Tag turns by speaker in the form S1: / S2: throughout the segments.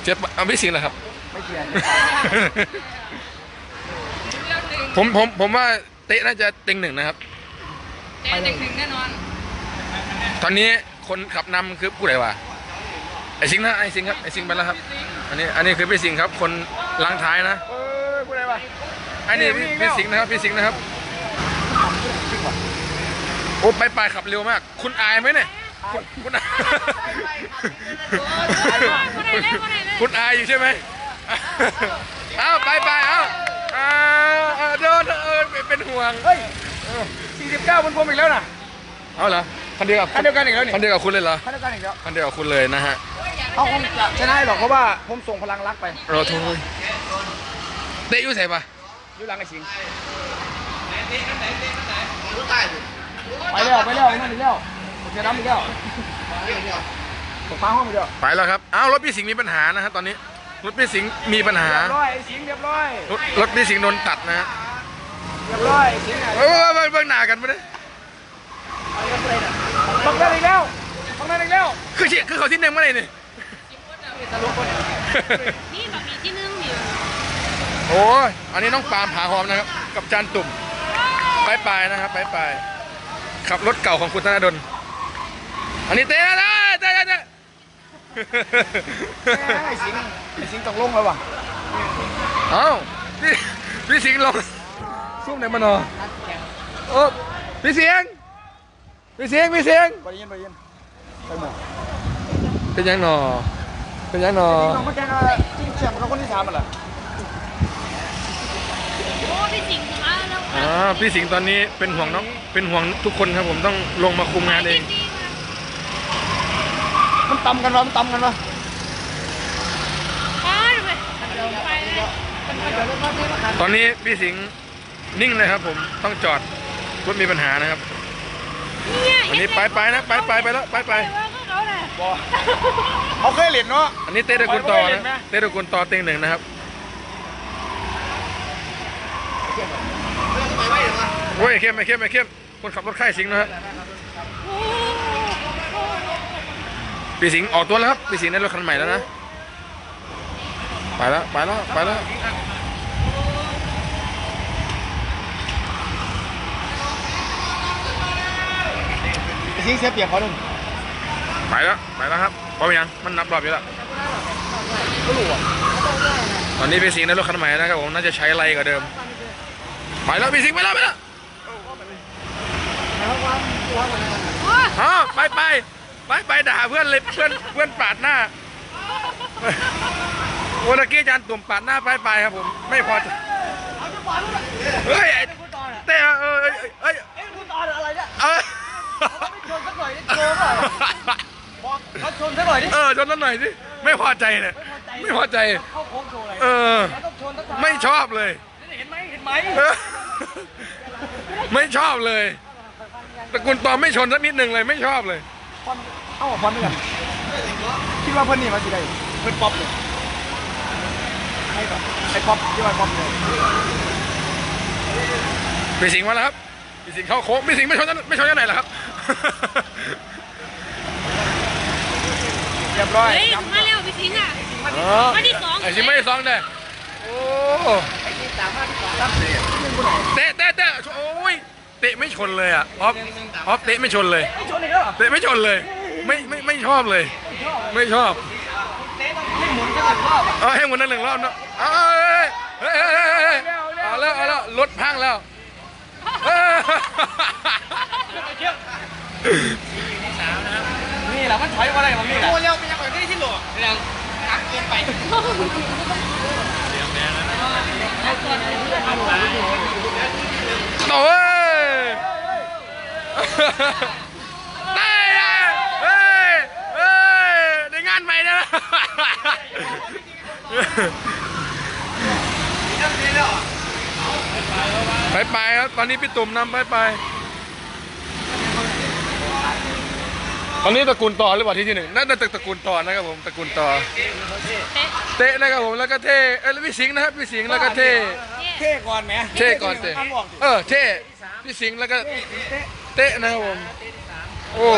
S1: เจ็บเอาพี่สิงห์เหรอครับ
S2: ไม่เกี่ยว
S1: ผมว่าเตะน่าจะเต็งหนึ่งนะครับ
S3: เต็งหนึ่งแน่นอน
S1: ตอนนี้คนขับนำคือผู้ใดวะไอสิงห์นะไอสิงห์ครับไอสิงห์ไปแล้วครับอันนี้คือพี่สิงห์ครับคนล้างท้ายนะ
S2: ผู้ใดวะ
S1: อันนี้พี่สิงห์นะครับพี่สิงห์นะครับโอ้ไปขับเร็วมากคุณอายไหมเนี่ยคุณอายคุณอายอยู่ใช่ไหมเอาไปเอาโดนเป็นห่วง
S2: เฮ้ย49บนพรมอีกแล้วนะ
S1: เอาเหรอคันเดียวกัน
S2: อีกแล้วนี่
S1: คันเดียวกับคุณเลยเหรอ
S2: คันเดียวกันอีกแล้ว
S1: คันเดียวกับคุณเลยนะฮะ
S2: เขาคงจะชนะหรอกเพราะว่าผมส่งพลังรักไป
S1: รอโทษเตะอยู่ใส่ปะ
S2: อยู่หลังไอ้สิงไปแล้วนั่นอีกแล้วผมจะน้ำอีกแล้วผมฟ้าห้องอีกแล้ว
S1: ไปแล้วครับอ้าวรถพี่สิงห์มีปัญหานะฮะตอนนี้รถพี่สิงห์มีปัญหา
S2: เรียบร้อยไอ้สิงห์เรียบร้อย
S1: รถพี่สิงห์โดนตัดนะฮะ
S2: เรียบร้อยสิงห์
S1: เบิ่งหน้ากันไม่ได้
S2: บังได้อีกแล้ว
S1: คือเขาที่หนึ่งเมื่อไหร่นี่
S3: นี่แบบมีที่นึ่งอยู่
S1: โอ้ยอันนี้น้องปาล์มผาหอมนะครับกับจานตุ่มไปนะครับไปขับรถเก่าของคุณธนดลอันนี้เตะนะเตะ
S2: ไอ้สิงตกลงแล้ววะ
S1: เอ้าพี่สิงห์ลงซุ่มไหนมานอโอ้พี่เสียงไปยินไปหมดเป็นยังหนอ
S2: น้องมาแกงจิ้งแฉ่งเขาคนที่3เหรอ
S3: โอ้พี่สิงห์มาแล้ว
S1: พี่สิงห์ตอนนี้เป็นห่วงทุกคนครับผมต้องลงมาคุมงานเอง
S2: มันตำกันวะ
S1: ตอนนี้พี่สิงห์นิ่งเลยครับผมต้องจอดรถมีปัญหานะครับอันนี้ไปแล้ว
S2: เขาเคยเล่นเนาะ
S1: อันนี้เตะตะกุนต่อนะเตะตะกุนต่อเต็งหนึ่งนะครับโอ้ยเข้มคนขับรถค่ายสิงห์นะฮะพี่สิงห์ออกตัวแล้วครับพี่สิงห์ได้รถคันใหม่แล้วนะไปแล้ว
S2: สิงเสียเปรียบเขาหนึ่ง
S1: ไปแล้วครับเพราะยังมันนับรอบอยู่แล้วตอนนี้พี่สิงห์ได้รถคันใหม่นะครับผมน่าจะใช้ไรกว่าเดิมไปแล้วพี่สิงห์ไปแล้วไปด่าเพื่อนเลยเพื่อนปาดหน้าโอ้ตะกี้จานตุ่มปาดหน้าไปครับผมไม่พอใจเฮ้ยเต้
S2: คุณตอนอะไรเนี่ยชนสักหน่อยดิเขาชนสักหน่อยดิ
S1: ชนสักหน่อยดิไม่พอใจเลยไม่พอใจ
S2: เข้าโค้งโชว์
S1: เลยไม่ชอบเลย
S2: เห็นไหม
S1: ไม่ชอบเลยตระกูลตอมไม่ชนสักนิดหนึ่งเลยไม่ชอบเลย
S2: พอนด้วยกันคิดว่าเพื่อนนี่มาสิได้เพื่อนป๊อปเลยไอ้ป๊อปที่ว่าป๊อปเลย
S1: พี่สิงห์มาแล้วครับพี่สิงห์เข้าโค้งพี่สิงห์ไม่ชนยังไงล่ะครับ
S2: เรียบร้อย
S3: มาเร็วพี่สิงห์อ่ะมาที่2
S1: ไอ้สิงห์ไม่ได้2เลยโอ้
S2: ไอ้ที่3มาที่
S1: 2เตะโอ้ยเตะไม่ชนเลยอ่ะออฟเตะไม่ชนเลยเตะไม่ชนเลยไม่ชอบเลยไม่ชอบ
S2: ให้หมุนกัน1 รอบ
S1: ให้หมุนนั่น1 รอบเนาะเอาแล้วรถพังแล้ว
S2: นี่แหละมันถอยมาอะไรของนี่แหละ
S3: โอ้เร็วเป็นยังไงที่หลวงยังนักเกินไป
S1: โอ้ยได้งานใหม่นะไปครับตอนนี้พี่ตุ่มนำไปตอนนี้ตระกูลต่อหรือเปล่าที่ 1น่าจะตระกูลต่อนะครับผมตระกูลต่อเตะนะครับผมแล้วก็เท่แล้วพี่สิงห์นะครับพี่สิงห์แล้วก็เท่
S2: ก่อนไหม
S1: เท่ก่อนเท่เท่พี่สิงห์แล้วก็เตะนะครับผมโอ้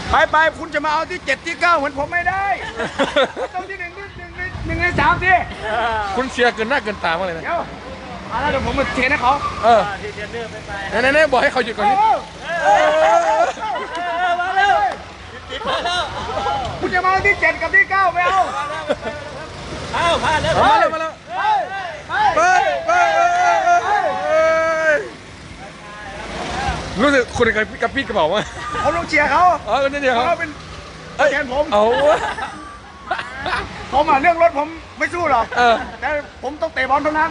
S2: ไปคุณจะมาเอาที่7ที่9เหมือนผมไม่ได้ต้องที่1ใน3ที่
S1: คุณเชียร์เกินหน้าเกินตามากเลยนะ
S2: เดี๋ยวเดี๋ยวผมมาเทนให้เขา
S1: ไหนบอกให้เขาหยุดก่อนนี่
S2: มาเร็วคุณจะมาเอาที่7กับที่9ไม่เอามาแล้ว
S1: รู้สึกคุณกับพี่กระเป๋าว่า
S2: ผมลงเชียร์เขา
S1: นี่เดียว
S2: เขาเป็นแทนผม
S1: เอา
S2: ผมเรื่องรถผมไม่สู้หรอกแต่ผมต้องเตะบอลเท่านั้น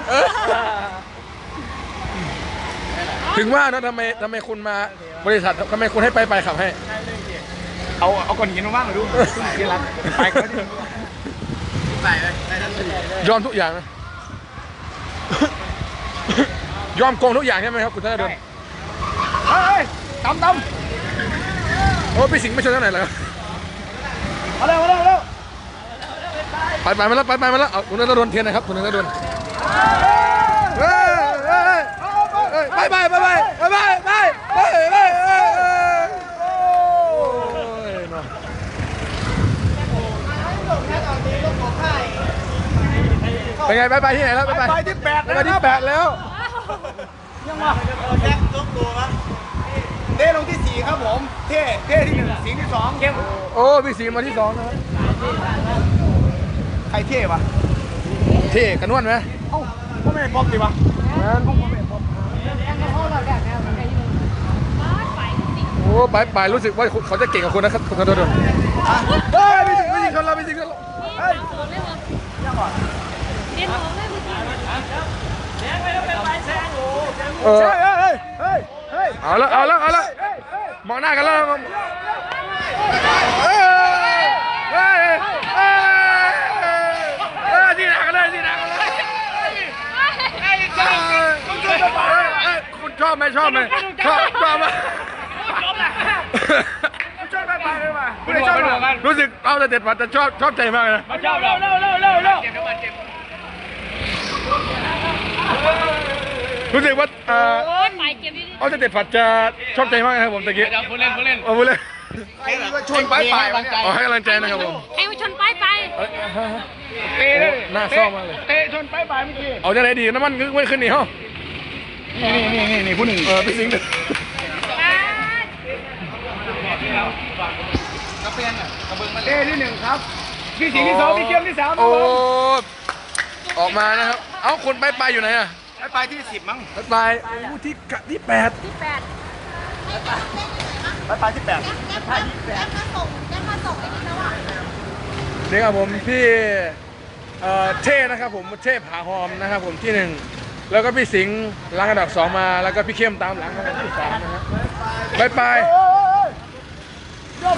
S1: ถึงว่านะทำไมคุณมาบริษัททำไมคุณให้ไปขับให้
S2: เอาก้อนหินมาบ้างหน่อยดูที่รักไปก็ได้
S1: ยอมทุกอย่างนะ ยอมโกงทุกอย่างใช่ไหมครับคุณธนดล
S2: เฮ้ยตำ
S1: โอ้พี่สิงห์ไม่ชนเท่าไหร่เหรอ
S2: มาเร็ว
S1: ไปมาแล้วเอาคุณธนดลเทียนนะครับคุณธนดลเป็นไงไปที่ไหนแล้ว
S2: ไปที่8
S1: ไปที่8แล้ว
S2: ยังวะเต้ลงที่4ครับผมเท่ที่1สิงที่2เข้ม
S1: โอ้พี่สิงห์มาที่2นะครับ
S2: ใครเท่ปะ
S1: เท่กันนวลไหม
S2: เอ้าก็ไม่ได้ป๊อปดิวะ
S1: โอ้ไปรู้สึกว่าเขาจะเก่งกับคุณนะครับคุณธนดลเฮ้ยพี่สิงห์ชนเราพี่สิงห์ชนเรา
S2: เฮ้ย
S3: เรียนของเลยพี่สิงห์
S1: เอาละมองหน้ากันแล้วที่หนักกันเลยคุณชอบไหมชอบไหมรู้สึกเอาแต่เด็ดผัดแต่ชอบใจมากเลย
S2: ชอบเร็ว
S1: รู้สึกว่า
S3: โอ้ยไปเก็บดิ
S1: เอาแต่เด็ดผัดจะชอบใจมากนะครับผมตะกี้
S3: ผู้เล่น
S1: พูดเล่น
S2: ชนไป
S1: ให้กำลังใจนะครับผม
S3: ให้มาชนไป
S2: เตะเลย
S1: หน้าเศร้ามากเลย
S2: เตะชนไปเมื่อกี้
S1: เอาจะไหนดีน้ำมันไม่ขึ้นนี่เหรอ
S2: นี่ผู้หนึ่ง
S1: พี่สิงห์
S2: เต้ที่1ครับพี่สิงห์ที่2พี่เกียมที่3
S1: โอ้ออกมานะครับเอ้าคนไปอยู่ไหนอะ
S2: ไปที่10มั้ง
S1: ไปที่8
S2: ไปที่8
S1: นี่ครับผมพี่เท่นะครับผมเท่ผาหอมนะครับผมที่1แล้วก็พี่สิงห์ล้างอันดับ2มาแล้วก็พี่เข้มตามหลังอันดับที่3นะฮะไป
S2: ยอด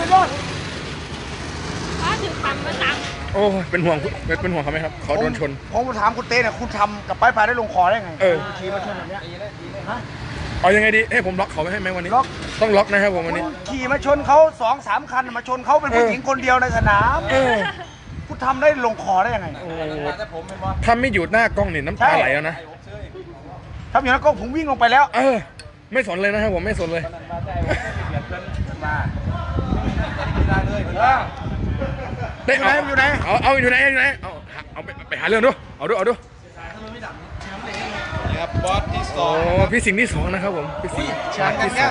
S3: ถึงปั๊มมาตัง
S1: โอ้เป็นห่วงเขาไหมครับเขาโดนชน
S2: ผมถามคุณเต้เนี่ยคุณทำกับไปได้ลงคอได้ไงขี่มาชนแบบนี้
S1: เอายังไงดีให้ผมล็อกเขาไว้ให้ไหมวันนี้ต้องล็อกนะครับผมวันนี้
S2: ขี่มาชนเขา2-3 คันมาชนเขาเป็นผู้หญิงคนเดียวในสนามคุณทำได้ลงคอได้ยังไง
S1: ทำไม่หยุดหน้ากล้องนี่น้ำตาไหลแล้วนะ
S2: ทำอย่างนั้นก็ผมวิ่งลงไปแล้ว
S1: ไม่สนเลยนะครับผมไม่สนเลยได้อยู่ไหนเอาอยู่ไหนเอาไปหาเรื่องดูเอาดู
S2: ครับบอสที่2
S1: พี่สิงห์ที่2นะครับผมพี่สิงห์ที่2.2.1.145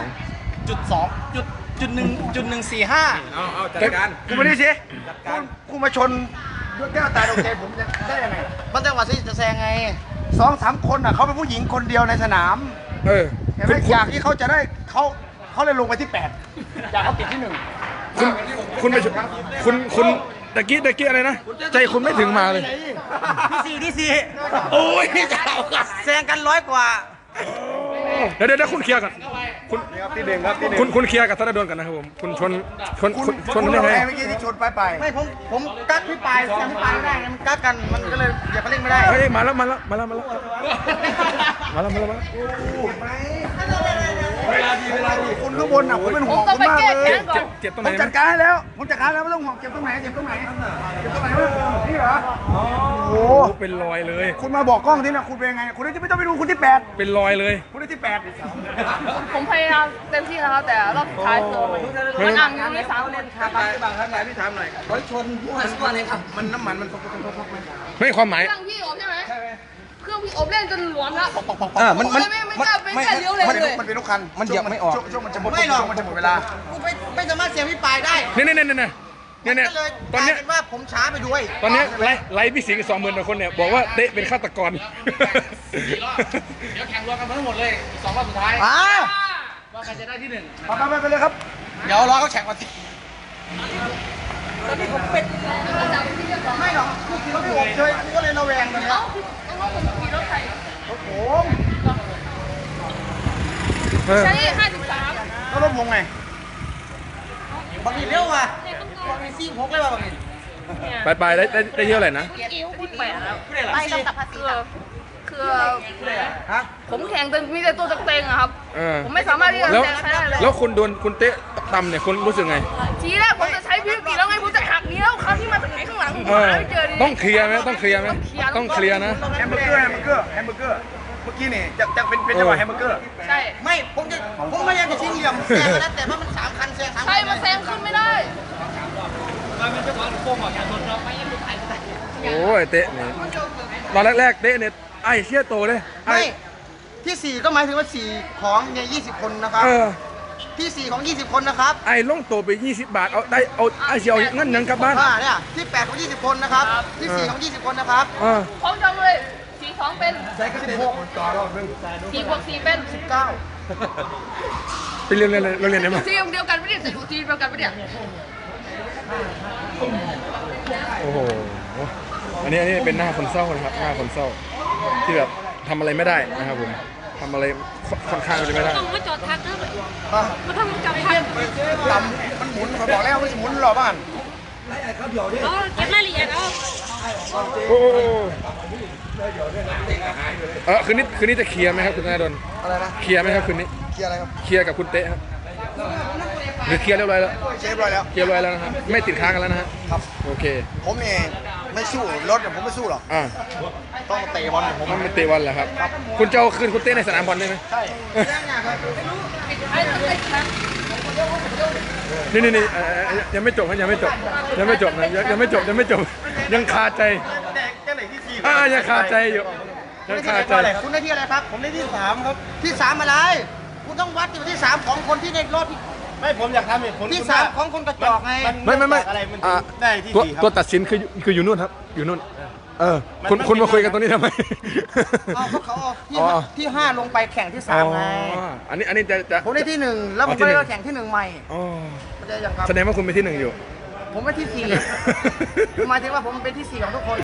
S2: เอาจัดการกูไม่ได้สิกูมาชนด้วยแก้วตาดวงใจผมได้ยังไงมันจังหวะที่จะแซงไง2-3 คนเขาเป็นผู้หญิงคนเดียวในสนามอยากที่เขาจะได้เขาเลยลงไปที่8อยากเขาติดที่1
S1: คุณไปคุณตะกี้อะไรนะใจคุณไม่ถึงมาเลย
S2: ที่สี่
S1: โอ้ย
S2: แซงกัน100 กว่า
S1: เดี๋ยวคุณเคลียร์กันคุณ
S2: ที่1ครับที่
S1: 1คุณเคลียร์กับธนดลกันนะครับผมคุณชน
S2: ได้ไงเมื่อกี้ที่ชนไปไม่ผมกักพี่ปลายแซงพี่ปลายไม่ได้มันกักกันมันก็เลยอย่าไปเล่นไม่ได้
S1: เฮ้ยมาแล้ว
S2: คนข้างบนอ่ะผมเป็นห่วง
S3: ต้อง
S2: คุณ
S3: ไป
S2: มาก
S3: แก้
S2: เล
S3: แค้
S2: ย
S3: นก่อน
S1: เจ็บตรง
S2: ผ
S1: ไหน
S2: มจัดการให้แล้วผมจัดการแล้วไม่ต้องห่วงเจ็บตรงไหนเจ็บตรงไหนเจ็บตรงไหนนี่เหรอโอ้
S1: โอ้
S2: โห
S1: เป็นรอยเลย
S2: คุณมาบอกกล้องที่นะคุณเป็นไงคุณจะไม่ต้องไปดูคุณที่8
S1: เป็นรอยเลย
S2: คุณที่8
S3: ผมพยายามเต็มที่แล้วครับแต่รอบสุดท้ายคือมันอ่างอยู่ใน3 เลนครับ
S2: บางท่านไหนพี่ถามหน่อยรถชนผู้หันตัวเลยครับมันน้ำมันมันพกไหม
S1: ไม่ความหมาย
S3: เครื่องพี่อบใช่ไหมเครื่องพี่อบเล่นจนหลวมแล้ว
S2: มัน
S3: ไม่กล้าเลี้ยวเลย
S2: มันเป็นลูกคันมันเหยียบไม่ออกช่วงมันจะหมดไม่หรอกมันจะหมดเวลา
S4: กูไม่สามารถเสียพี่ปลายได้
S1: เนี่ย
S4: ก็เลย
S1: ตอนเนี้ย
S4: กลายเป็นว่าผมช้าไปด้วย
S1: ตอนเนี้ยไล่พี่สิงห์20,000 กว่าคนเนี่ยบอกว่าเตะเป็นฆาตกร
S4: เดี๋ยวแข่งรวมกันทั้งหมดเลยอีก2 รอบสุดท้าย ว่าใครจะได้ที่
S2: ไปเลยครับ
S4: 1 เดี๋ยวรอเขาแข่งก่อนสิ
S2: ไม่หรอกคือขี่รถไม่อบเฉยกูก็เลยระแวงเลยนะ
S3: ต้องผมขี่รถไถ
S2: รถผม
S3: ใช้53
S2: แล้วรถผมไง
S4: บางทีเร็วว่ะบางทีซี่พกเลยว่ะบางที
S1: ไปได้เยอะเลยนะ
S3: กิ้วที่8แล้ว
S4: ไปต้องตัดภาษี
S3: คือผมแข่งจนมีแต่ตัวเต็งๆอะครับ
S1: เออ
S3: ผมไม่สามารถที่จะ
S1: แล้ว
S3: แซงใครได้เลย
S1: แล้วคุณโดนคุณเตะตำเนี่ยคุณรู้สึกไง
S3: ทีแรกผมจะใช้พี่ปีแล้วไงผมจะหักนี้แล้วคราวที่มาจากไหนข้างหลังผม
S1: เออ
S3: หาไม่เจอดิ
S1: ต้องเคลียร์ไหมต้องเคลียร์ไหมต้องเคลียร์นะ
S2: แฮมเบอร์เกอร์เมื่อกี้นี่จะเป็นจังหวะแฮมเบอร์เกอร์
S3: ใช่
S4: ไม่ผมพยายามจะชิงเหลี่ยมแซงแล้วแต่ว่ามัน3 คันแซง3 คัน
S3: ใช่มาแซงขึ้นไม่ได้
S1: โอ้ยเตะเนี่ยตอนแรกๆเตะเนี่ยไอ้เชี่ยโตเลยไอ้
S4: ไม่ที่ 4 ก็หมายถึงว่า 4 ของใน20 คนนะครับ
S1: เออ
S4: ที่ 4 ของ 20 คนนะครับ
S1: ไอ้ลงโตไป20 บาทเอาได้เอาไอ้เชียวเงินยังกลับบ้าน
S4: เนี่ยที่ 8 ของ 20 คนนะครับ ที่ 4 ของ 20 คนนะครับ
S1: เออ
S3: พร้อมจังเลย4-2เป็น
S2: ใช้ก็16ต่อรอบนึง
S3: 4 บวก 4 เป็น
S1: ไปเรียนได้ไหม
S3: ทีมเดียวกันไม่ได้ทีมเดียวกันไม่ได้
S1: โอ้โหอันนี้เป็นหน้าคนเศร้านะครับหน้าคนเศร้าที่แบบทำอะไรไม่ได้นะครับผมทำอะไรค่อนข้างจะไม่ได้
S3: ต้องมาจอดทักนะมาทำมาจอดทัก
S2: ต่ำมันหมุนเขาบอกแล้วมันหมุนรอบบ้าน
S3: เอาเก็บรายละเอียดเอา
S1: โอ้คืนนี้จะเคลียร์ไหมครับคุณธนาดล
S2: อะไรนะ
S1: เคลียร์ไหมครับคืนนี้
S2: เคลียร์อะไรครับ
S1: เคลียร์กับคุณเตะครับหรือเคลียร์เรียบร้อยแล้ว
S2: เรียบร้อยแล้ว
S1: เคลียร์เรียบร้อยแล้วนะครับไม่ติดค้างกันแล้วนะฮะ
S2: ครับ
S1: โอเค
S2: ผมเนี่ยไม่สู้รถผมไม่สู้หรอก
S1: อ่า
S2: ต้องเตะบอลผม
S1: มันเป็นเตะวันแหละครับคุณจะเอาคืนคุณเตะในสนามบอลได้ไหม
S2: ใช่
S3: ไอ้ต้องไปทัก
S1: นี่ยังไม่จบนะยังไม่จบนะยังไม่จบยังคาใจ
S2: แค่ไหนที่4
S1: ยังคาใจอยู่ยังคาใจ
S4: คุณได้ที่อะไรครับ ผมได้ที่ 3 ครับ ที่ 3 อะไร คุณต้องวัดที่ 3 ของคนที่ในรอบที่
S2: ไม่ผมอยากทำเหตุผล
S4: ที่ 3 ของคนกระจอกไง
S1: ไม่
S2: อะไรมันได้ที่
S1: ตัว
S2: 4ครับ
S1: ตัวตัดสินคืออยู่นู่นครับอยู่นู่นคุณมาคุยกันตรงนี้ทำไม
S4: เอาเขาเอาที่
S1: อ๋อ
S4: ที่ 5 ลงไปแข่งที่ 3 ไง
S1: อันนี้จะ
S4: ผมได้ที่ 1 แล้วผม
S1: ที่
S4: ก็
S1: หนึ่
S4: ได้
S1: ง
S4: แข่งที่ 1 ใหม่
S1: อ๋อ
S4: เข้าใจยังครับ
S1: แสดงว่าคุณเป็นที่ 1อยู่
S4: ผมเป็นที่ 4 หมายถึงว่าผมเป็นที่ 4 ของทุกคน